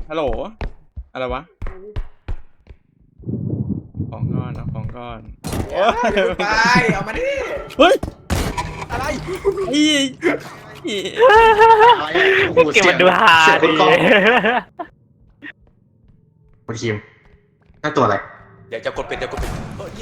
ฮัลโหลอะไรวะของก้อนเอาของก้อนโอ้ยไปเอามาดิเฮ้ยอะไรอีอีเก็บมันดูฮาดีคุณคิมนั่นตัวอะไรเดี๋ยวจะกดปิดเดี๋ยวกดปิด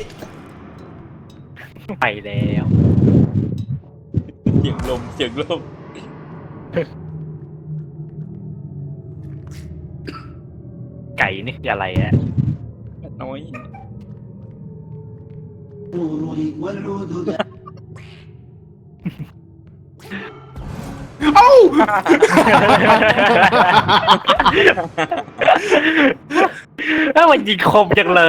ไปแล้วเสียงลมเสียงลมไก่นี่คืออะไรอะน้อยเอ้าถ้ามันยิงคมจังเลย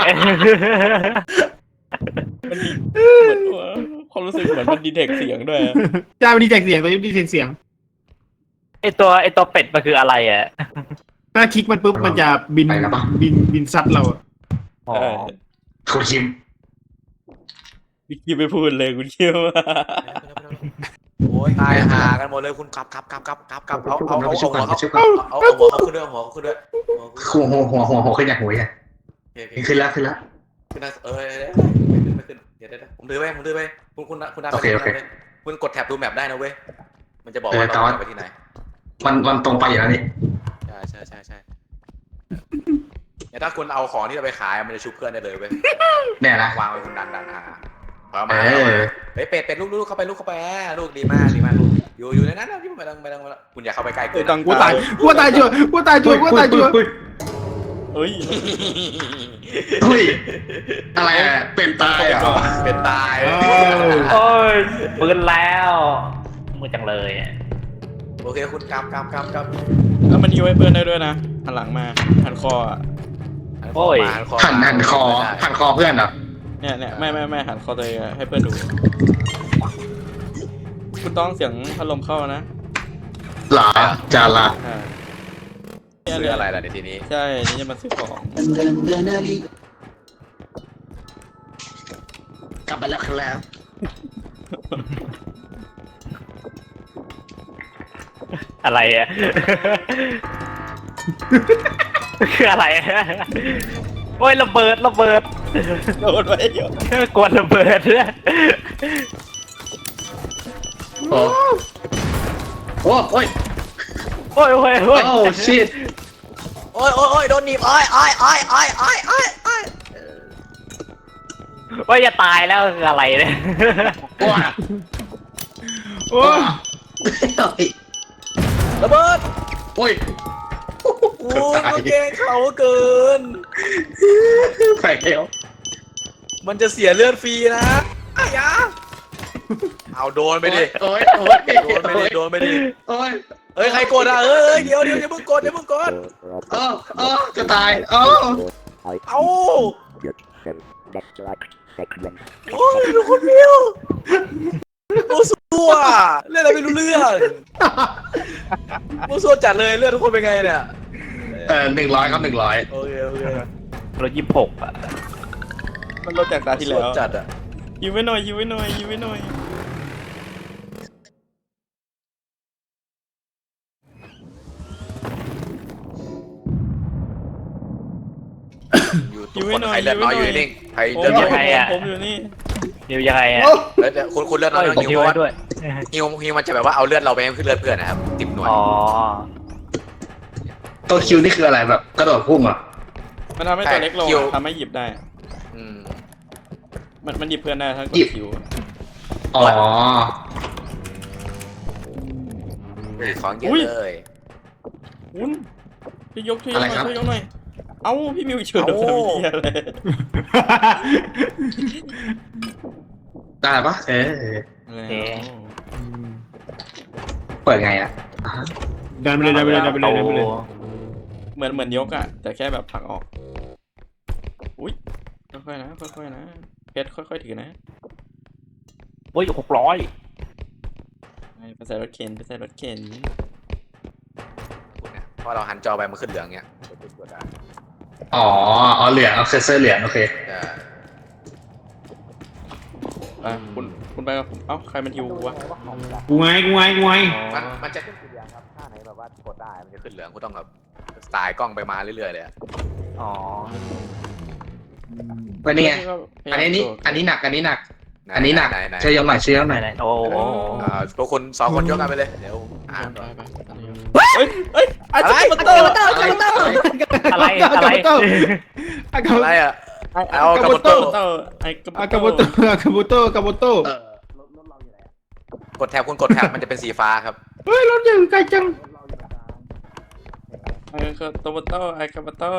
มันมีเหมือนว่าความรู้สึกเหมือนมันดีเทคเสียงด้วยอะจ้ามันดีแท็กเสียงตัวนี้ดีแท็กเสียงไอตัวเป็ดมันคืออะไรอะถ้าคลิกมันปุ๊บมันจะบินซัดเราอะอ๋อคุณคิมพี่คิวไม่พูดเลยคุณคิวโอ้ยตายหากันหมดเลยคุณกลับเอาหัวเขาขึ้นด้วยหัวเขาขึ้นด้วยหัวขึ้นอย่างหัวอย่างขึ้นแล้วขึ้นนะไม่ขึ้นเดี๋ยวผมถือไปคุณดาวคุณกดแท็บดูแมปได้นะเว้ยมันจะบอกว่าเราไปที่ไหนมันตรงไปอย่างนี้ใช่เนี่ยถ้าคุณเอาของที่เราไปขายมันจะชุบเพื่อนได้เลยเว้ยแน่นะวางไว้คุณดันหาเอามาเป็ดลูกเข้าไปลูกดีมากลูกอยู่ในนั้นนะที่ไม่ต้องคุณอย่าเข้าไปใกล้เกินต้องกูตายชัวร์เฮ้ยเฮ้ยอะไรเป็นตายเหรอเป็นตายโอ้ยปืนแล้วมือจังเลยโอเคคุณกำแล้วมันยิ้วให้เพื่อนได้ด้วยนะหันหลังมาหันคออะหันคอเพื่อนเหรอเนี่ยไม่หันคอตัวเองอะให้เพื่อนดู คุณต้องเสียงพัดลมเข้านะหลาจาระอ่าซื้ออะไรล่ะในทีนี้ใช่นี่จะมาซื้อของกลับไปแล้วครับอะไรอะคืออะไรโอ้ยระเบิดโดนไว้เยอะกวนระเบิดโอ้โอ้ยโอ้ยโอ้ชิตโอ้ยโดนหนีบอ้อยว่าจะตายแล้วคืออะไรเนี่ยว้าโอ้ระเบิดโอ้ยโอ้ยมันเก่งเขาเกินไปแล้วมันจะเสียเลือดฟรีนะอยาเอาโดนไปดิโอ้ยโดนไปดิโอ้ยเฮ้ยใครกดอ่ะเดี๋ยวอย่าเพิ่งกดจะตายโอ้เอาโอ้ยทุกคนเดียวโอ้สัวเล่นอะไรไม่รู้เรื่องโอ้สัวจัดเลยเลือดทุกคนเป็นไงเนี่ย 100 ครับ 100 โอเครถ26อะมันลดจากตาที่แล้วจัดอ่ะยิ้มไว้หน่อยยิ้มไว้หน่อยอยู่ทุกคนใครเลือดน้อยอยู่นิ่งใครผมเลือดน้อยผมอยู่นี่เดี๋ยวยังไงอะแล้วคุณเลือดน้อยผมฮิทิ้วงเพราะไว้ว่าด้วยฮิวมันจะแบบว่าเอาเลือดเราไปให้ขึ้นเลือดเพื่อนนะครับติดหน่วยอ๋อตัวคิวนี่คืออะไรแบบกระโดดพุ่งเหรอมันทำให้ตัวเล็กลงทำให้หยิบได้อืมมันหยิบเพื่อนได้ถ้ากดคิวอ๋อของเยอะเลยคุณพี่ยกหน่อยเอ้าพี่มิวเฉยเลยอะไรได้ปะเปิดไงอ่ะดันไปเลยเหมือนยกอ่ะแต่แค่แบบผลักออกอุ้ยค่อยๆนะเพชรค่อยๆถือนะโอ้ย600 ไปใส่รถเข็นพอเราหันจอไปมันขึ้นเหลืองเงี้ยอ๋อเหลืองเอาเคเซอร์เหลืองโอเคคุณคุณไปกับผมเอ้าใครมันฮิววะกูไงมันจะขึ้นสีเหลืองครับถ้าไหนแบบว่ากดได้มันจะขึ้นเหลืองกูต้องแบบสไตล์กล้องไปมาเรื่อยๆเลยอะอ๋อวันนี้ไงพยาอันยามนี้โดดอันนี้หนักอันนี้หนักอันนี้หนักไหนช่วยยกหน่อยช่วยยกหไหนน่อยไหนโอ้โหพวกคุณ2 คนยกกันไปเลยเดี๋ยวอ่านไปก่อนไปตอนนี้เฮ้ยเฮ้ยอาจารย์มาเตอร์อะไรอะไรอะไรอะ เอากาโบโต้ไอ้กระอากาโบโตกาโบโตกดแท็บคุณกดแท็บมันจะเป็นสีฟ้าครับเฮ้ยรถยังไกลจังไอ้กระโบโต้ไอ้กระโบโต้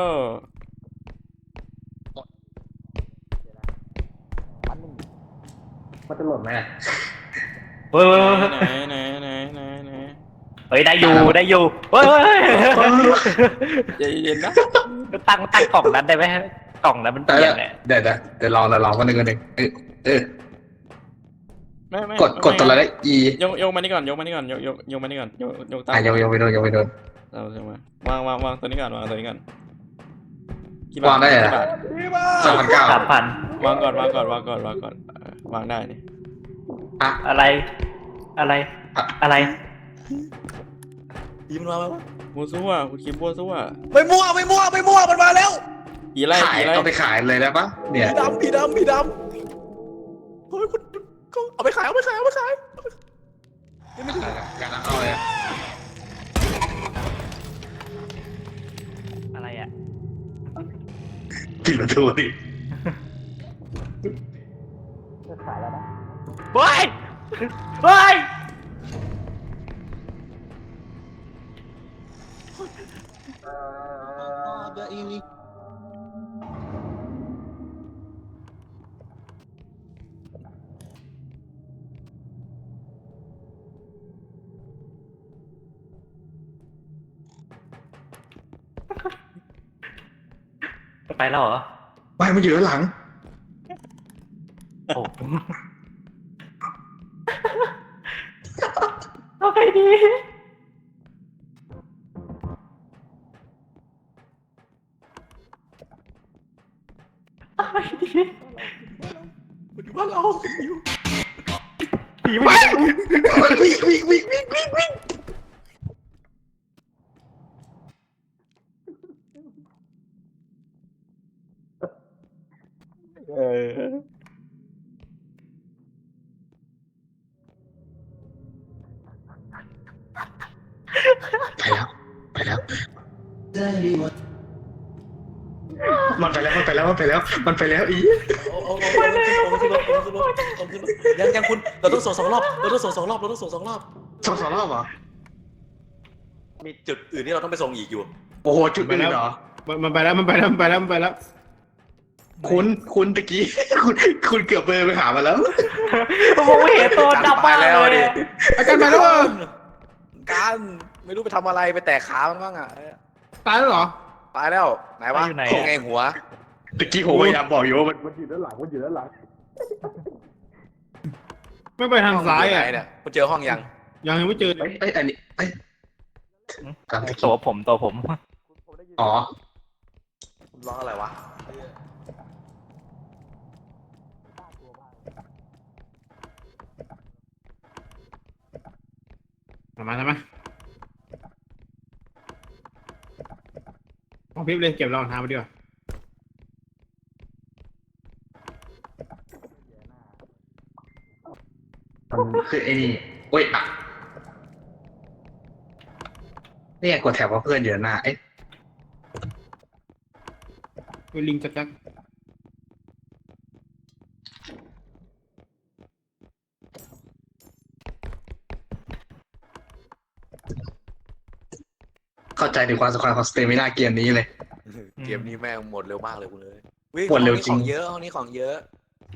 มันจะหล่นไหมเฮ้ยไหนเฮ้ยได้อยู่ได้อยู่เฮ้ยใจเย็นนะตั้งกล่องนั้นได้ไหมกล่องนั้นมันเปลี่ยนแหละเดี๋ยวลองกันหนึ่งเออไม่กดตัวอะไรได้ E ยกมานี่ก่อนยกมานี่ก่อนยกมานี่ก่อนยกตามยกไปโดนเราใช่ไหมวางตัวนี้ก่อนวางตัวนี้ก่อนวางได้เหรอกี่บาท 3,900 3,000 วางก่อนวางได้นี่อะไรอะไรยิ้มมาไหมวะมัวซั่วคุณคิมมัวซั่วไม่มั่วมันมาแล้วผีไล่ขายเอาไปขายเลยได้ปะเนี่ยผีดำเฮ้ยคุณเอาไปขายการเอาเลยอะไรอ่ะปิดประตูดิเฮ้ยเฮ้ย ไปแล้วเหรอไม่มันอยู่ด้านหลังโอ้เอาไปดีเอาไปดีมันอยู่บ้านเราผีไม่ได้วิ่ง ไปแล้วมันไปแล้วอียังคุณเราต้องส่ง2 รอบ 2 รอบเหรอมีจุดอื่นที่เราต้องไปส่งอีกอยู่โอ้โหจุดอื่นเหรอมันไปแล้วคุณตะกี้ คุณเกือบไปหามาแล้วผมไม่เห็นตัวดำไปแล้วดิอาการไปแล้วการไม่รู้ไปทำอะไรไปแตะขามันบ้างอ่ะตายแล้วเหรอตายแล้วไหนวะไงหัวตะกี้ผมพยายามบอกอยู่ว่ามันไม่ไปทางซ้ายอ่ะเนี่ยคุณเจอห้องยังยังไม่เจออันนี้ตามตะกี้ตัวผมอ๋อคุณร้องอะไรวะทำไมเอาพิบเลยเก็บรองเท้าไปดีกว่ามันคือไอ้นี่โอ้ยอ่ะนี่กดแถบว่าเพื่อนเยอะหน้าลิงจักเข้าใจถึงความสำคัญของสเตมินาเกมนี้เลยเกมนี้แม่งหมดเร็วมากเลยคุณเลยหมดเร็วจริงห้องนี้ของเยอะ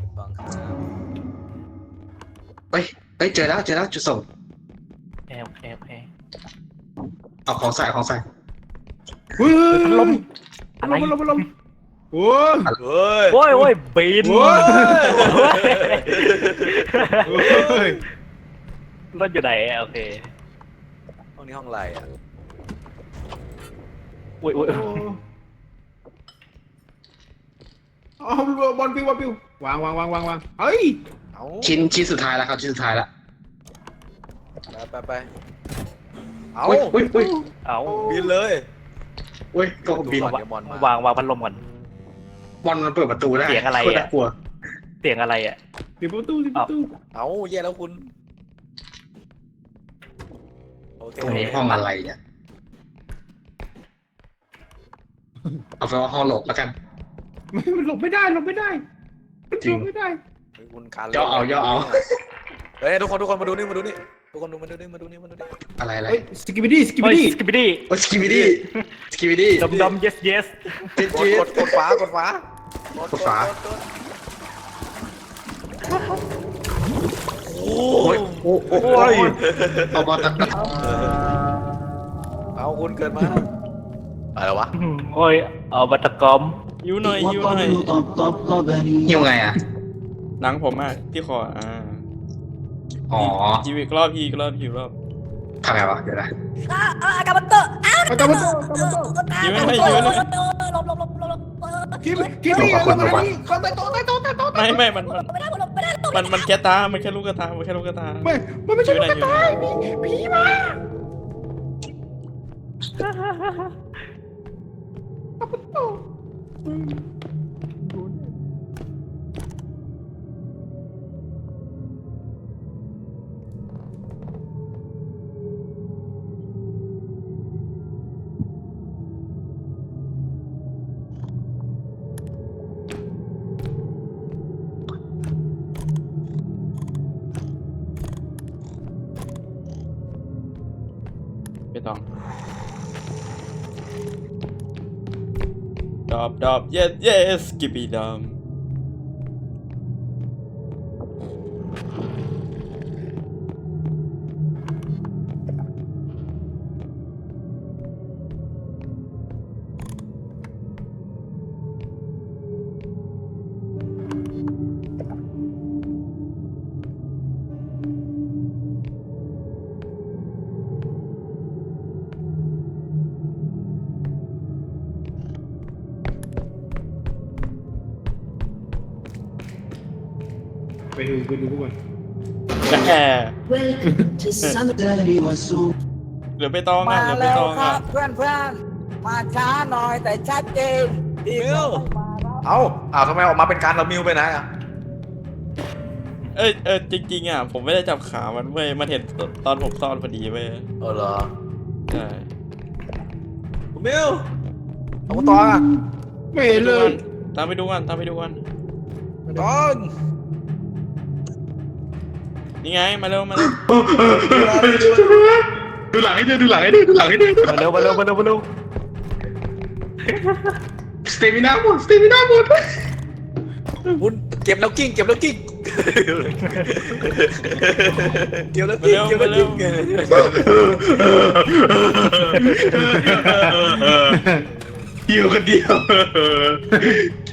เอ้ยเจอแล้วจุดส่งโอเคเอาของใส่เฮ้ยพัดลมลมโอ้ยเฮ้ยโอ้ยบินโอ้ยรถอยู่ไหนโอเคห้องนี้ห้องอะไรอ่ะอุ้ยอ๋อบอลปิววางเฮ้ยเอาชิ้นสุดท้ายแล้วครับชิ้นสุดท้ายแล้วไปเอาอุ้ยเอาบินเลยอุ้ยก็บินก่อนเดี๋ยวมอนมาวางพัดลมก่อนบอลมันเปิดประตูได้เสียงอะไรอะโคตน่ากลัวเสียงอะไรอ่ะปิดประตูปิดประตูเอาแย่แล้วคุณโอเคตรงนี้ห้องอะไรเนี่ยเอาไปนว่าห้องหลบแล้วกันมันหลบไม่ได้หลบไม่ได้จริงหลบไม่ได้เฮ้ยคุณการย่อเอาเฮ้ยทุกคนมาดูนี่ทุกคนมาดูนี่อะไรเฮ้ยสกิบิดี้สกิบิเฮ้ยดี้สกิปปี้โอ้สกิบิดี้ดม yes yes กดฟ้ากดฟ้า โอ้ยเอาบอลตัดเอาคุณเกิดมาอะไรวะโอ้ยเอาบัตรกอมยิ้วหน่อยยิ้วหน่อยหิวไงอ่ะหนังผมอ่ะที่คออ๋อยิ้วอีกรอบอีกรอบอีกรอบทำไงวะเดี๋ยวนะอาการมันโตยิ้วไม่ยิ้วไม่คิมเขาไปโตไม่มันแค่ตามันแค่ลูกกระตามันแค่ลูกกระตาไม่มันไม่ใช่ลูกกระต่ายผีมาไม่ต้องดอบ yes กิบบีดอมไปดูพวกมันแค่ Welcome to Summertime Wasu. เหลือไปตองมาเหลือไปแล้วตองครับเพื่อนๆ มาช้าหน่อยแต่ชัดเจนอีกมิวเอาทำไมออกมาเป็นการเรามิวไปไหนอ่ะจริงๆผมไม่ได้จับขามันเว้ยมันเห็นตอนผมซ่อนพอดีเว้ยเหรอใช่คุณมิวเอาคุณตองอ่ะไม่เห็นเลยตามไปดูกันตองนี่ไงมาเร็วดูหลังให้ด้วยมาเร็วสเตมินาหมดคุณเก็บแล้วกิ้งเก็บแล้วกิ้งหิวคนเดียว